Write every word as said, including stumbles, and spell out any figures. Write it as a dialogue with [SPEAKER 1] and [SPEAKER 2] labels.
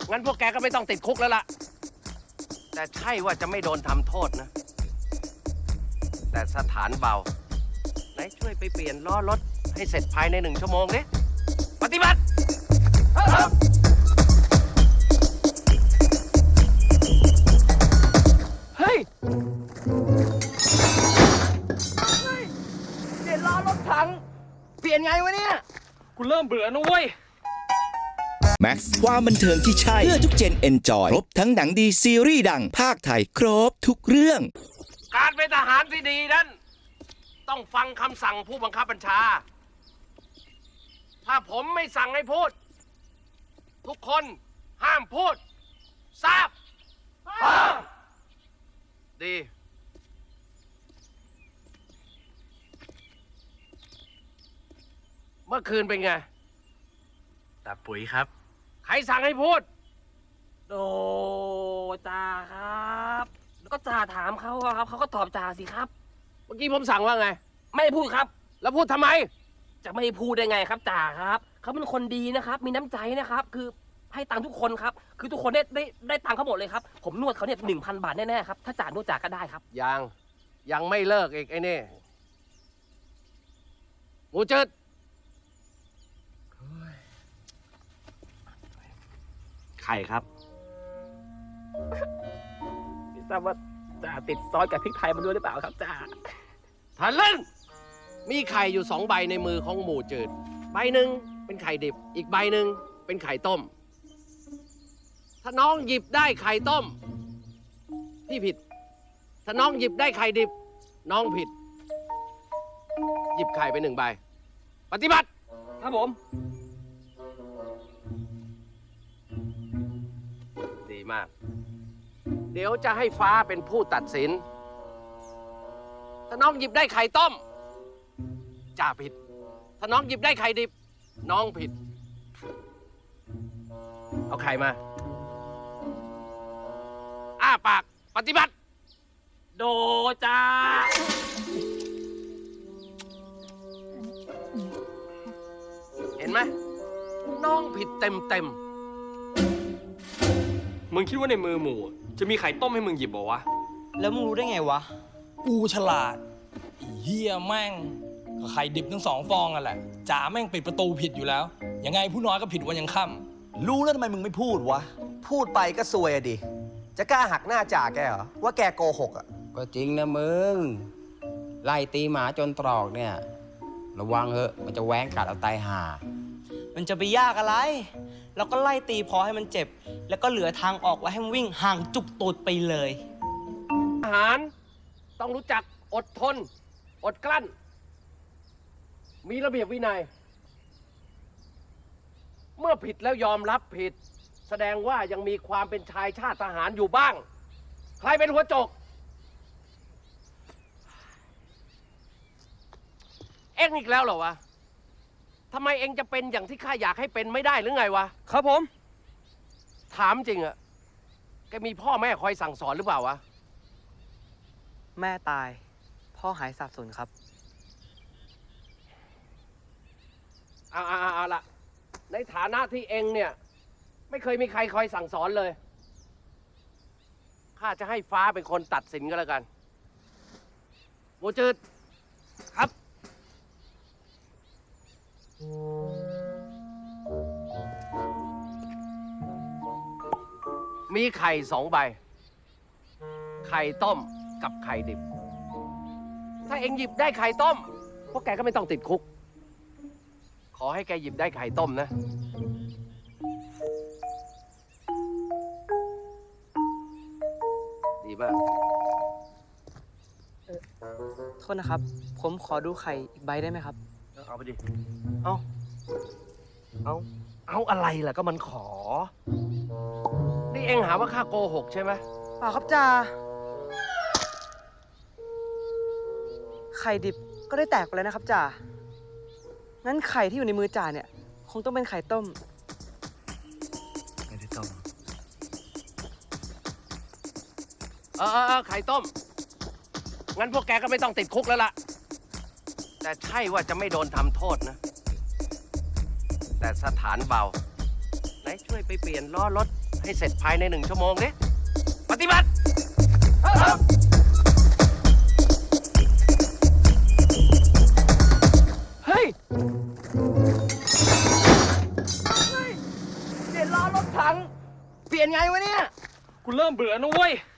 [SPEAKER 1] งั้นพวกแกก็ไม่ต้องติดคุกแล้วล่ะแต่ใช่ว่าจะไม่โดนทำโทษนะแต่สถานเบาไหนช่วยไปเปลี่ยนล้อรถให้เสร็จภายในหนึ่งชั่วโมงดิปฏิบัติครับเฮ้ยเปลี่ยนล้อรถถังเปลี่ยนไงวะเนี่ยกูเริ่มเบื่อนะเว้ย
[SPEAKER 2] แม็กซ์ความบันเทิงที่ใช่เพื่อทุกเจนเอนจอยครบทั้งหนังดีซีรีส์ดังภาคไทยครบทุกเรื่อง
[SPEAKER 1] การเป็นทหารที่ดีนั้นต้องฟังคำสั่งผู้บังคับบัญชาถ้าผมไม่สั่งให้พูดทุกคนห้ามพูดทราบดีเมื่อคืนเป็นไงตาปุ๋ยครับใครสั่งให้พูด
[SPEAKER 3] โดจ่าครับแล้วก็จ่าถามเขาอะครับเขาก็ตอบจ่าสิครับ
[SPEAKER 1] เมื่อกี้ผมสั่งว่าไง
[SPEAKER 3] ไม่พูดครับ
[SPEAKER 1] แล้วพูดทำไม
[SPEAKER 3] จะไม่พูดได้ไงครับจ่าครับเขาเป็นคนดีนะครับมีน้ำใจนะครับคือให้ตังค์ทุกคนครับคือทุกคนได้ได้ได้ตังค์เขาหมดเลยครับผมนวดเขาเนี่ยหนึ่งพันบาทแน่ๆครับถ้าจ่านวดจ่าก็ได้ครับ
[SPEAKER 1] ยังยังไม่เลิกอีกไอ้นี่หมูจืดไข่ครับ
[SPEAKER 3] ไม่ทราบว่าจ่าติดซอสกับพริกไทยมาด้วยหรือเปล่าครับจ่า
[SPEAKER 1] ทันเล่นมีไข่อยู่สองใบในมือของหมูจืดใบหนึ่งเป็นไข่ดิบอีกใบหนึ่งเป็นไข่ต้มถ้าน้องหยิบได้ไข่ต้มพี่ผิดถ้าน้องหยิบได้ไข่ดิบน้องผิดหยิบไข่ไปหนึ่งใบปฏิบัติ
[SPEAKER 3] ครับผม
[SPEAKER 1] ดีมากเดี๋ยวจะให้ฟ้าเป็นผู้ตัดสินถ้าน้องหยิบได้ไข่ต้มจ่าผิดถ้าน้องหยิบได้ไข่ดิบน้องผิดเอาไข่มาอ้าปากปฏิบัติ
[SPEAKER 3] โดจ่า
[SPEAKER 1] เห็นไหมน้องผิดเต็มเต็ม
[SPEAKER 4] มึงคิดว่าในมือหมูจะมีไข่ต้มให้มึงหยิบบ่วะ
[SPEAKER 5] แล้วมึงรู้ได้ไงวะ
[SPEAKER 6] กูฉลาดเฮียแม่งก็ไข่ดิบทั้งสองฟองอ่ะแหละจ่าแม่งปิดประตูผิดอยู่แล้วยังไงผู้น้อยก็ผิดวันยังค่
[SPEAKER 5] ำรู้แล้วทำไมมึงไม่พูดวะพูดไปก็ซวยอะดิจะกล้าหักหน้าจ่าแกเหรอว่าแกโกหกอ่ะ
[SPEAKER 7] ก็จริงนะมึงไล่ตีหมาจนตรอกเนี่ยระวังเถอะมันจะแหว้งกัดเอาตายห่า
[SPEAKER 5] มันจะไปยากอะไรเราก็ไล่ตีพอให้มันเจ็บแล้วก็เหลือทางออกไว้ให้มันวิ่งห่างจุกตูดไปเลย
[SPEAKER 1] ทหารต้องรู้จักอดทนอดกลั้นมีระเบียบวินัยเมื่อผิดแล้วยอมรับผิดแสดงว่ายังมีความเป็นชายชาติทหารอยู่บ้างใครเป็นหัวโจกเอ็งอีกแล้วเหรอวะทำไมเอ็งจะเป็นอย่างที่ข้าอยากให้เป็นไม่ได้หรือไงวะ
[SPEAKER 3] ครับผม
[SPEAKER 1] ถามจริงอะแกมีพ่อแม่คอยสั่งสอนหรือเปล่าวะ
[SPEAKER 5] แม่ตายพ่อหายสับสนครับ
[SPEAKER 1] เอาเอาเอาละในฐานะที่เอ็งเนี่ยไม่เคยมีใครคอยสั่งสอนเลยข้าจะให้ฟ้าเป็นคนตัดสินก็แล้วกันหมูจืดครับมีไข่สองใบไข่ต้มกับไข่ดิบถ้าเอ็งหยิบได้ไข่ต้มพวกแกก็ไม่ต้องติดคุกขอให้แกหยิบได้ไข่ต้มนะดีมาก
[SPEAKER 5] โทษนะครับผมขอดูไข่อีกใบได้ไหมครับ
[SPEAKER 1] เอาไปดิเอาเอาเอาอะไรล่ะก็มันขอนี่เอ็งหาว่าข้าโกหกใช่ไหม
[SPEAKER 5] เปล่าครับจ่าไข่ดิบก็ได้แตกไปแล้วนะครับจ่างั้นไข่ที่อยู่ในมือจ่าเนี่ยคงต้องเป็นไข่ต้ม
[SPEAKER 1] ไม่ได้ต้มเออเออไข่ต้มงั้นพวกแกก็ไม่ต้องติดคุกแล้วล่ะแต่ใช่ว่าจะไม่โดนทำโทษนะแต่สถานเบาไหนช่วยไปเปลี่ยนล้อรถใให้เสร็จภายในหนึ่งชั่วโมงนี้ปฏิบัติ
[SPEAKER 5] เฮ้ย เปลี่ยนล้อรถถัง เปลี่ยนไงวะเนี่ย
[SPEAKER 4] กูเริ่มเบื่อนะเว้ย